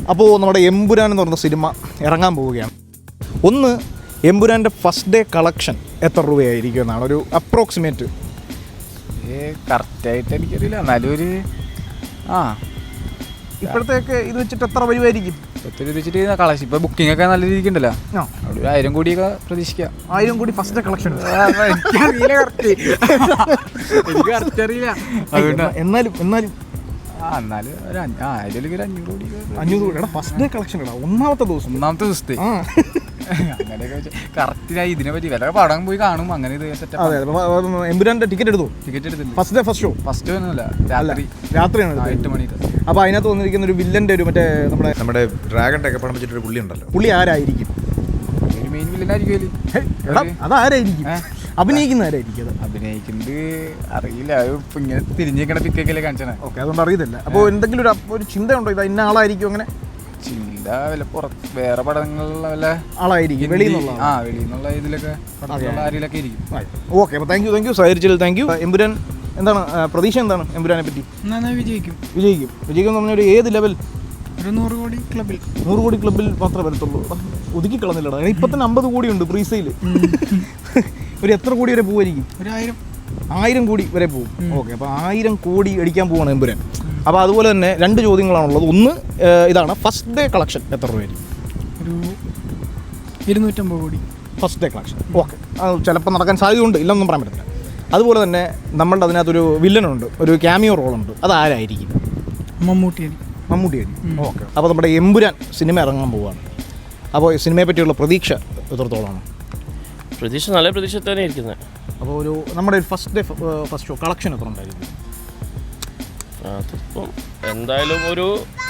അപ്പോൾ നമ്മുടെ എമ്പുരാൻ എന്ന് പറഞ്ഞ സിനിമ ഇറങ്ങാൻ പോവുകയാണ്. ഒന്ന്, എമ്പുരാൻ്റെ ഫസ്റ്റ് ഡേ കളക്ഷൻ എത്ര രൂപയായിരിക്കും എന്നാണ് ഒരു അപ്രോക്സിമേറ്റ്. കറക്റ്റായിട്ട് എനിക്കറിയില്ല, എന്നാലും ഒരു ഇപ്പോഴത്തേക്ക് ഇത് വെച്ചിട്ട് എത്ര വരുമായിരിക്കും? വെച്ചിട്ട് കളക്ഷൻ ഇപ്പോൾ ബുക്കിംഗ് ഒക്കെ നല്ല രീതിക്ക് ഉണ്ടല്ലോ, അവിടെ 1000 കോടിയൊക്കെ പ്രതീക്ഷിക്കാം. 1000 കോടി ഫസ്റ്റ് ഡേ കളക്ഷൻ എനിക്കറിയില്ല, എനിക്ക് കറക്റ്റ് അറിയില്ല. എന്നാലും എന്നാലും ഒരു 500 കോടി. 500 കോടി ഫസ്റ്റ് ഡേ കളക്ഷൻ ഇടാം, ഒന്നാമത്തെ ദിവസത്തെ. അങ്ങനെയൊക്കെ കറക്റ്റ് ഇതിനെ പറ്റി വില പടം പോയി കാണും. അങ്ങനെ ഇത് സെറ്റപ്പ്. എമ്പുരാൻ്റെ ടിക്കറ്റ് എടുത്തു? ടിക്കറ്റ് എടുത്തില്ല. First day first show? First ഒന്നുമില്ല, രാത്രിയാണ് 8 മണിക്ക്. അപ്പോൾ അതിനകത്ത് വന്നിരിക്കുന്ന ഒരു വില്ലൻ്റെ ഒരു മറ്റേ നമ്മുടെ ഡ്രാഗൺ ഒക്കെ പടം വെച്ചിട്ടൊരു പുള്ളി ഉണ്ടല്ലോ, പുള്ളി ആരായിരിക്കും? ഒരു മെയിൻ വില്ലനായിരിക്കും. അതാരായിരിക്കും? അഭിനയിക്കുന്ന ആരായിരിക്കും? അഭിനയിക്കുന്നത് അറിയില്ല, ഇപ്പം ഇങ്ങനെ തിരിഞ്ഞേക്കണ പിക്കൊക്കെ കാണിച്ചാണ്. ഓക്കെ, അതുകൊണ്ട് അറിയത്തില്ല. അപ്പോൾ എന്തെങ്കിലും ഒരു ചിന്തയുണ്ടോ ഇത് ഇന്ന ആളായിരിക്കും? അങ്ങനെ ചിന്ത വല്ല പുറത്ത് വേറെ പടങ്ങളിലുള്ള വല്ല ആളായിരിക്കും, വെളിയിൽ നിന്നുള്ള ഇതിലൊക്കെ ആരിലൊക്കെ ഇരിക്കും. ഓക്കെ, അപ്പോൾ താങ്ക് യു സഹകരിച്ചതിൽ താങ്ക് യു. എമ്പുരാൻ എന്താണ് പ്രതീക്ഷ? എന്താണ് എമ്പുരാനെ പറ്റി? വിജയിക്കും എന്ന് പറഞ്ഞാൽ ഏത് ലെവൽ? ഒരു 100 കോടി ക്ലബിൽ. 100 കോടി ക്ലബിൽ മാത്രമേ വരത്തുള്ളൂ. ഒതുക്കി കളഞ്ഞില്ലടാ, ഇപ്പം തന്നെ 50 കോടിയുണ്ട് പ്രീസെയിൽ. ഒരു എത്ര കോടി വരെ പോകുമായിരിക്കും? ഒരു 1000 കോടി വരെ പോകും. ഓക്കെ, അപ്പോൾ 1000 കോടി അടിക്കാൻ പോവാണ് എമ്പുരാൻ. അപ്പോൾ അതുപോലെ തന്നെ 2 ചോദ്യങ്ങളാണുള്ളത്. ഒന്ന് ഇതാണ്, ഫസ്റ്റ് ഡേ കളക്ഷൻ എത്ര രൂപയായിരിക്കും? ഒരു 250 കോടി ഫസ്റ്റ് ഡേ കളക്ഷൻ. ഓക്കെ, അത് ചിലപ്പോൾ നടക്കാൻ സാധ്യതയുണ്ട്, ഇല്ലെന്നൊന്നും പറയാൻ പറ്റില്ല. അതുപോലെ തന്നെ നമ്മളുടെ അതിനകത്തൊരു വില്ലനുണ്ട്, ഒരു ക്യാമിയോ റോളുണ്ട്, അതാരായിരിക്കും? മമ്മൂട്ടി. ഓക്കെ, അപ്പോൾ നമ്മുടെ എമ്പുരാൻ സിനിമ ഇറങ്ങാൻ പോവുകയാണ്. അപ്പോൾ ഈ സിനിമയെ പറ്റിയുള്ള പ്രതീക്ഷ എത്രത്തോളമാണ്? പ്രതീക്ഷ നല്ല പ്രതീക്ഷ തന്നെ ഇരിക്കുന്നത്. അപ്പോൾ ഒരു നമ്മുടെ ഒരു ഫസ്റ്റ് ഷോ കളക്ഷൻ എത്ര ഉണ്ടായിരിക്കും? അതിപ്പം എന്തായാലും ഒരു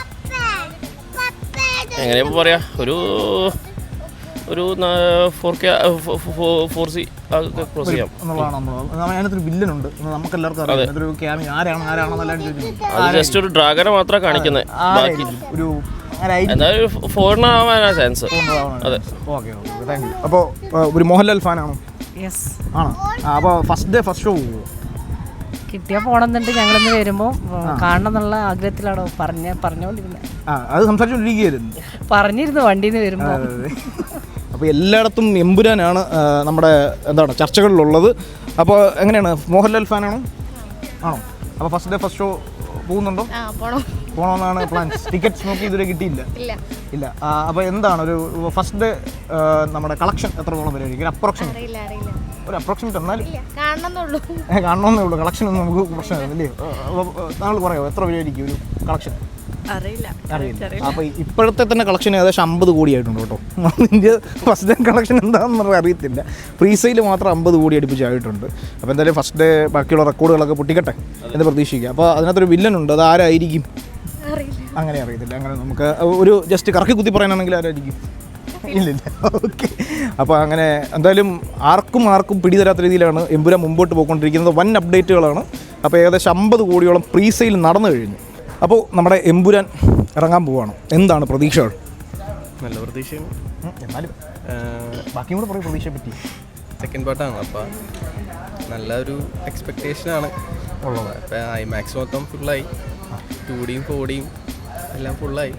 എങ്ങനെയാ പറയാ, ഒരു 4K 4C ക്രോസ് ചെയ്യാം എന്നുള്ളതാണ്. അതിനകത്തൊരു വില്ലനുണ്ട്, നമുക്ക് എല്ലാവർക്കും അറിയാം. അതിനകത്തൊരു ക്യാമിയോ ആരാണെന്നെല്ലാം ചോദിക്കുന്നത്. അത് ജസ്റ്റ് ഒരു ഡ്രാഗനെ മാത്രമാണ് കാണിക്കുന്നത്. ബാക്കി ഒരു എന്തായാലും ഫോറിനർ ആവാനാ ചാൻസ്. അതെ. Okay, thank you. അപ്പോൾ ഒരു മോഹൻലാൽ ഫാനാണോ? ആണോ? അപ്പോൾ ഫസ്റ്റ് ഡേ ഫസ്റ്റ് ഷോ പോകുമോ? കിട്ടിയാൽ പോകണമെന്നുണ്ട്. ഞങ്ങളിന്ന് വരുമ്പോൾ കാണണം എന്നുള്ള ആഗ്രഹത്തിലാണോ പറഞ്ഞുകൊണ്ടിരുന്നത്. അത് സംസാരിച്ചുകൊണ്ടിരിക്കുകയായിരുന്നു, പറഞ്ഞിരുന്നു വണ്ടിയിൽ നിന്ന് വരുമ്പോൾ. അപ്പോൾ എല്ലായിടത്തും എമ്പുരാനാണ് നമ്മുടെ എന്താണ് ചർച്ചകളിലുള്ളത്. അപ്പോൾ എങ്ങനെയാണ്, മോഹൻലാൽ ഫാനാണോ? ആണോ? അപ്പോൾ ഫസ്റ്റ് ഡേ ഫസ്റ്റ് ഷോ പോകുന്നുണ്ടോ? പോകണമെന്നാണ് പ്ലാൻ. ടിക്കറ്റ്സ് നോക്കി ഇതുവരെ കിട്ടിയില്ല? ഇല്ല. അപ്പോൾ എന്താണ് ഒരു ഫസ്റ്റ് ഡേ നമ്മുടെ കളക്ഷൻ എത്രത്തോളം വരെയായിരിക്കും? ഒരു അപ്രോക്സിമേറ്റ് എന്നാലും കാണണമെന്നേ ഉള്ളൂ. കളക്ഷൻ ഒന്നും നമുക്ക് പ്രശ്നമില്ലേ? താങ്കൾ പറയാമോ എത്ര വരെയായിരിക്കും ഒരു കളക്ഷൻ? അറിയില്ല. അപ്പോൾ ഇപ്പോഴത്തെ തന്നെ കളക്ഷൻ ഏകദേശം 50 കോടിയായിട്ടുണ്ട് കേട്ടോ. ഇന്ത്യ ഫസ്റ്റ് ഡേ കളക്ഷൻ എന്താണെന്ന് അറിയത്തില്ല. പ്രീസെയിൽ മാത്രം 50 കോടി അടുപ്പിച്ചായിട്ടുണ്ട്. അപ്പോൾ എന്തായാലും ഫസ്റ്റ് ഡേ ബാക്കിയുള്ള റെക്കോർഡുകളൊക്കെ പൊട്ടിക്കട്ടെ എന്ന് പ്രതീക്ഷിക്കുക. അപ്പോൾ അതിനകത്തൊരു വില്ലനുണ്ട്, അത് ആരായിരിക്കും? അങ്ങനെ അറിയത്തില്ല. അങ്ങനെ നമുക്ക് ഒരു ജസ്റ്റ് കറക്കി കുത്തി പറയാനാണെങ്കിൽ ആരായിരിക്കും? ഇല്ല. ഓക്കെ, അപ്പോൾ അങ്ങനെ എന്തായാലും ആർക്കും പിടിതരാത്ത രീതിയിലാണ് എമ്പുരാൻ മുമ്പോട്ട് പോയിക്കൊണ്ടിരിക്കുന്നത്. വൻ അപ്ഡേറ്റുകളാണ്. അപ്പോൾ ഏകദേശം 50 കോടിയോളം പ്രീസെയിൽ നടന്നു കഴിഞ്ഞു. അപ്പോൾ നമ്മുടെ എമ്പുരാൻ ഇറങ്ങാൻ പോവുകയാണ്. എന്താണ് പ്രതീക്ഷകൾ? നല്ല പ്രതീക്ഷയാണ്. എന്നാലും ബാക്കിയും കൂടെ പറയും പ്രതീക്ഷയെ പറ്റി. സെക്കൻഡ് പാർട്ടാണ്, അപ്പോൾ നല്ലൊരു എക്സ്പെക്റ്റേഷനാണ് ഉള്ളത്. അപ്പോൾ IMAX മൊത്തം ഫുള്ളായി, 2Dയും 4Dയും എല്ലാം ഫുള്ളായി.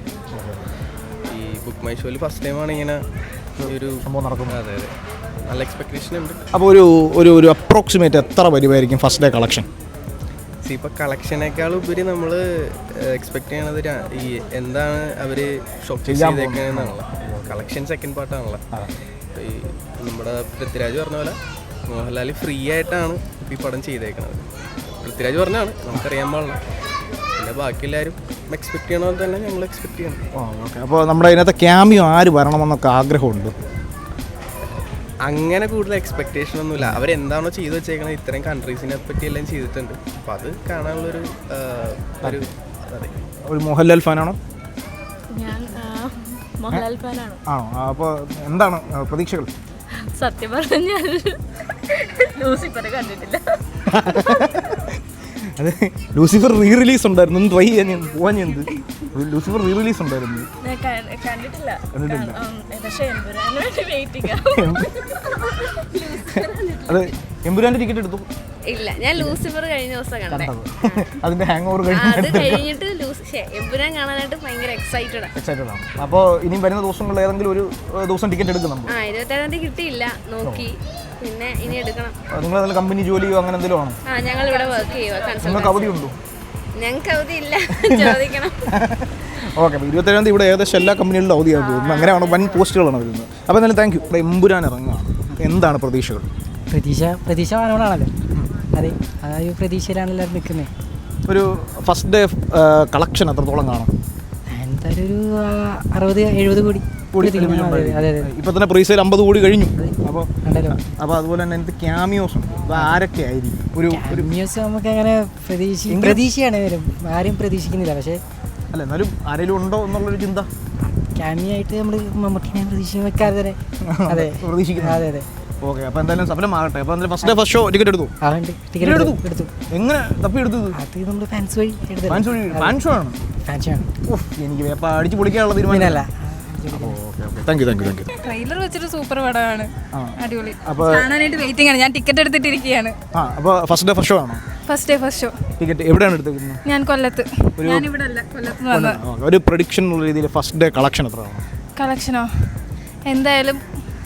ഈ ബുക്ക് മൈ ഷോയിൽ ഫസ്റ്റ് ടൈമാണ് ഇങ്ങനെ ഒരു സംഭവം നടക്കുന്നത്. അതെ, നല്ല എക്സ്പെക്റ്റേഷൻ ഉണ്ട്. അപ്പോൾ ഒരു അപ്രോക്സിമേറ്റ് എത്ര വരുമായിരിക്കും ഫസ്റ്റ് ഡേ കളക്ഷൻ? ഇപ്പോൾ കളക്ഷനേക്കാൾ ഉപരി നമ്മൾ എക്സ്പെക്ട് ചെയ്യണത് ഈ എന്താണ് അവർ ഷോപ്പ് ചെയ്തേക്കുന്നതെന്നാണല്ലോ. കളക്ഷൻ സെക്കൻഡ് പാർട്ടാണല്ലോ. ഈ നമ്മുടെ പൃഥ്വിരാജ് പറഞ്ഞ പോലെ മോഹൻലാൽ ഫ്രീ ആയിട്ടാണ് ഈ പടം ചെയ്തേക്കുന്നത്. പൃഥ്വിരാജ് പറഞ്ഞാണ്, നമുക്കറിയാൻ പാടില്ല. പിന്നെ ബാക്കി എല്ലാവരും എക്സ്പെക്ട് ചെയ്യണ പോലെ തന്നെ ഞങ്ങൾ എക്സ്പെക്ട് ചെയ്യണം. ഓക്കെ, അപ്പോൾ നമ്മുടെ ഇതിനകത്ത് ക്യാമിയോ ആര് വരണമെന്നൊക്കെ ആഗ്രഹമുണ്ട്? അങ്ങനെ കൂടുതൽ എക്സ്പെക്റ്റേഷൻ ഒന്നുമില്ല. അവരെന്താണോ ചെയ്തു വെച്ചേക്കണത്, ഇത്രയും കൺട്രീസിനെ പറ്റി എല്ലാം ചെയ്തിട്ടുണ്ട്. അപ്പോൾ അത് കാണാനുള്ളൊരു ഒരു മോഹൻലാൽ ഫാനാണോ? ഞാൻ മോഹൻലാൽ ഫാനാണ്. ആണോ? അപ്പോൾ എന്താണ് പ്രതീക്ഷകൾ? സത്യം പറഞ്ഞാൽ ലൂസിഫർ കണ്ടിട്ടില്ല. അത് ലൂസിഫർ റീ റിലീസ് ഉണ്ടായിരുന്നു, ഒന്ന് ട്രൈ ചെയ്യാൻ ഞാൻ പോവാൻ എന്ത് ലൂസിഫർ റീ റിലീസ് ഉണ്ടായിരുന്നു. കണ്ടിട്ടില്ല കണ്ടിട്ടില്ല. പക്ഷേ എമ്പുരാന് വേണ്ടി വെയിറ്റിംഗ്. അത് എമ്പുരാൻ്റെ ടിക്കറ്റ് എടുത്തു ഇല്ല, ഞാൻ ലൂസിഫർ കഴിഞ്ഞ ദിവസം കണ്ടേ. അതിന്റെ ഹാങ് ഓവർ അത് കഴിഞ്ഞിട്ട് എമ്പുരാൻ കാണാനായിട്ട് ഭയങ്കര എക്സൈറ്റഡ് ആണ്. അപ്പോൾ ഇനിയും വരുന്ന ദിവസങ്ങളിൽ ഏതെങ്കിലും ഒരു ദിവസം ടിക്കറ്റ് എടുക്കുന്നുണ്ട്? 27-ാം തീയതി കിട്ടിയില്ല, നോക്കി. പിന്നെ ഇനി എടുക്കണം. നിങ്ങൾ ഏതെങ്കിലും കമ്പനി ജോലിയോ അങ്ങനെ എന്തെങ്കിലും ആണോ? ഞങ്ങൾ ഇവിടെ വർക്ക് ചെയ്യുക. നിങ്ങൾക്ക് അവധി ഉണ്ടോ? ഞങ്ങൾക്ക് അവധി ഇല്ല, ചോദിക്കണം. ഓക്കെ, അപ്പോൾ 27-ാം തീയതി ഇവിടെ ഏകദേശം എല്ലാ കമ്പനികളിലും അവധിയാണ് തോന്നുന്നു. അങ്ങനെയാണ് വൻ പോസ്റ്റുകളാണ് വരുന്നത്. അപ്പോൾ എന്തായാലും താങ്ക് യു. ഇവിടെ എമ്പുരാൻ ഇറങ്ങുകയാണ്, എന്താണ് പ്രതീക്ഷകൾ? പ്രതീക്ഷ വാനോടാണല്ലോ. അതെ, ആ ഒരു പ്രതീക്ഷയിലാണ് എല്ലാവരും നിൽക്കുന്നത്. ഒരു ഫസ്റ്റ് ഡേ കളക്ഷൻ എത്രത്തോളം കാണും? എന്തായാലും ഒരു 60-70 കോടി. അതെ. ഇപ്പോൾ തന്നെ പ്രീസെയിൽ 50 കോടി കഴിഞ്ഞു. അപ്പോൾ ഉണ്ടല്ലോ. അപ്പോൾ അതുപോലെ തന്നെ എന്ത് ക്യാമിയോസും ആരൊക്കെ ആയിരിക്കും? ഒരു മ്യൂസിയം നമുക്ക് അങ്ങനെ പ്രതീക്ഷയാണ് വരും, ആരും പ്രതീക്ഷിക്കുന്നില്ല. പക്ഷേ അല്ല, എന്നാലും ആരെങ്കിലും ഉണ്ടോ എന്നുള്ളൊരു ചിന്ത ക്യാമിയായിട്ട് നമ്മൾ മമ്മൂട്ടിനെ പ്രതീക്ഷ വെക്കാതെ തന്നെ. അതെ, പ്രതീക്ഷിക്കുന്നു. അതെ. ഓക്കെ, അപ്പോൾ എന്തായാലും സഫലമാകട്ടെ. അപ്പോൾ എന്തായാലും first day first show ticket എടുത്തു? ടിക്കറ്റ് എടുത്തു. എങ്ങനെ തപ്പി എടുത്തത്? അത് നമ്മൾ ഫാൻസ് വഴി എടുത്തത്. ഫാൻ ഷോ ആണ്. എനിക്ക് അപ്പോൾ അടിച്ച് പൊളിക്കാനുള്ള തീരുമാനമല്ല. Thank you. ട്രെയിലർ വെച്ചിട്ട് സൂപ്പർ പടമാണ്, അടിപൊളി. അപ്പോൾ കാണാനായിട്ട് വെയിറ്റിംഗ് ആണ്. ഞാൻ ടിക്കറ്റ് എടുത്തിട്ടിരിക്കുകയാണ്. അപ്പോൾ ഫസ്റ്റ് ഡേ ഫസ്റ്റ് ഷോ ആണോ? First day first show. Ticket എവിടെയാണ് എടുത്തിരിക്കുന്നത്? ഞാൻ കൊല്ലത്ത്. ഞാൻ ഇവിടെ അല്ല, കൊല്ലത്ത് നിന്ന് വന്നത്. ഒരു പ്രഡിക്ഷൻ എന്നുള്ള രീതിയിൽ ഫസ്റ്റ് ഡേ കളക്ഷൻ എത്രയാണ്? കളക്ഷനോ എന്തായാലും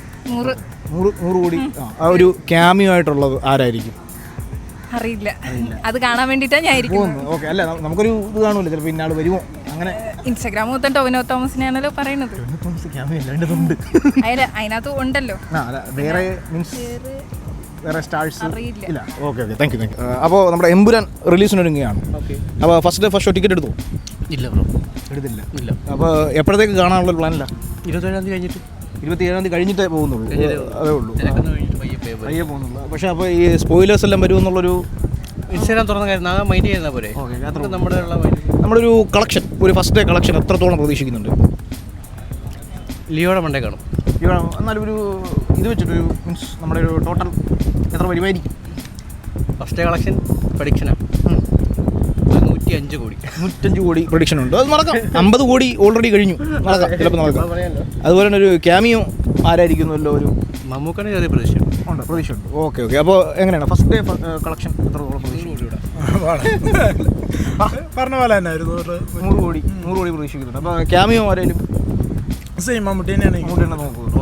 100 കോടി. ആ ഒരു ക്യാമിയോ ആയിട്ടുള്ളത് ആരായിരിക്കും? അറിയില്ല, അത് കാണാൻ വേണ്ടിയിട്ടാണ് ഞാൻ ഇരിക്കുന്നത്. ഓക്കെ, അല്ല നമുക്കൊരു ഇത് കാണൂല്ലോ, ചിലപ്പോൾ ഇന്നാൾ വരുമോ അങ്ങനെ. ഇൻസ്റ്റാഗ്രാം മൊത്തം ടൊവിനോ തോമസിനെയാണല്ലോ പറയുന്നത്. അതിനകത്ത് ഉണ്ടല്ലോ. വേറെ മീൻസ് വേറെ സ്റ്റാർസ് അറിയില്ല. ഇല്ല. Okay, thank you. അപ്പോൾ നമ്മുടെ എമ്പുരാൻ റിലീസിനൊരുങ്ങുകയാണ്. അപ്പോൾ first day first show ticket എടുത്തു? ഇല്ല ബ്രോ, എടുത്തില്ല. അപ്പോൾ എപ്പോഴത്തേക്ക് കാണാനുള്ള പ്ലാനില്ല? 27-ാം തീയതി കഴിഞ്ഞിട്ട്. 27-ാം തീയതി കഴിഞ്ഞിട്ടേ പോകുന്നുള്ളൂ? അതേ ഉള്ളൂ, പയ്യെ പോകുന്നുള്ളൂ. പക്ഷേ അപ്പോൾ ഈ സ്പോയിലേഴ്സ് എല്ലാം വരുമെന്നുള്ളൊരു ഇൻസ്റ്റാഗ്രാം തുറന്ന കാര്യം മൈൻഡ് ചെയ്യുന്ന പോലെ നമ്മുടെ ഒരു കളക്ഷൻ, ഒരു ഫസ്റ്റ് ഡേ കളക്ഷൻ എത്രത്തോളം പ്രതീക്ഷിക്കുന്നുണ്ട്? ലിയോയുടെ മണ്ടേ കാണും. എന്നാലും ഒരു ഇത് വെച്ചിട്ടൊരു മീൻസ് നമ്മുടെ ഒരു ടോട്ടൽ എത്ര വരുമായിരിക്കും? ഫസ്റ്റ് ഡേ കളക്ഷൻ പ്രഡിക്ഷനാണ് 105 കോടി. 105 കോടി പ്രഡിക്ഷൻ ഉണ്ട്. അത് നടക്കാം. 50 കോടി ഓൾറെഡി കഴിഞ്ഞു, നടക്കാം, ചിലപ്പോൾ നടക്കാം. അതുപോലെ തന്നെ ഒരു ക്യാമിയോ ആരായിരിക്കുമല്ലോ? ഒരു മമ്മൂക്കാണ് ചെറിയ പ്രതീക്ഷയുണ്ട്. പ്രതീക്ഷയുണ്ട്. ഓക്കെ. അപ്പോൾ എങ്ങനെയാണ് ഫസ്റ്റ് ഡേ കളക്ഷൻ എത്രത്തോളം പ്രതീക്ഷിക്കുന്നുണ്ട്? പറഞ്ഞ പോലെ തന്നെ 100 കോടി പ്രതീക്ഷിക്കുന്നുണ്ട്. അപ്പോൾ ക്യാമിയോ ആരെങ്കിലും? സെയിം മമ്മൂട്ടി തന്നെയാണ് നോക്കുന്നത്.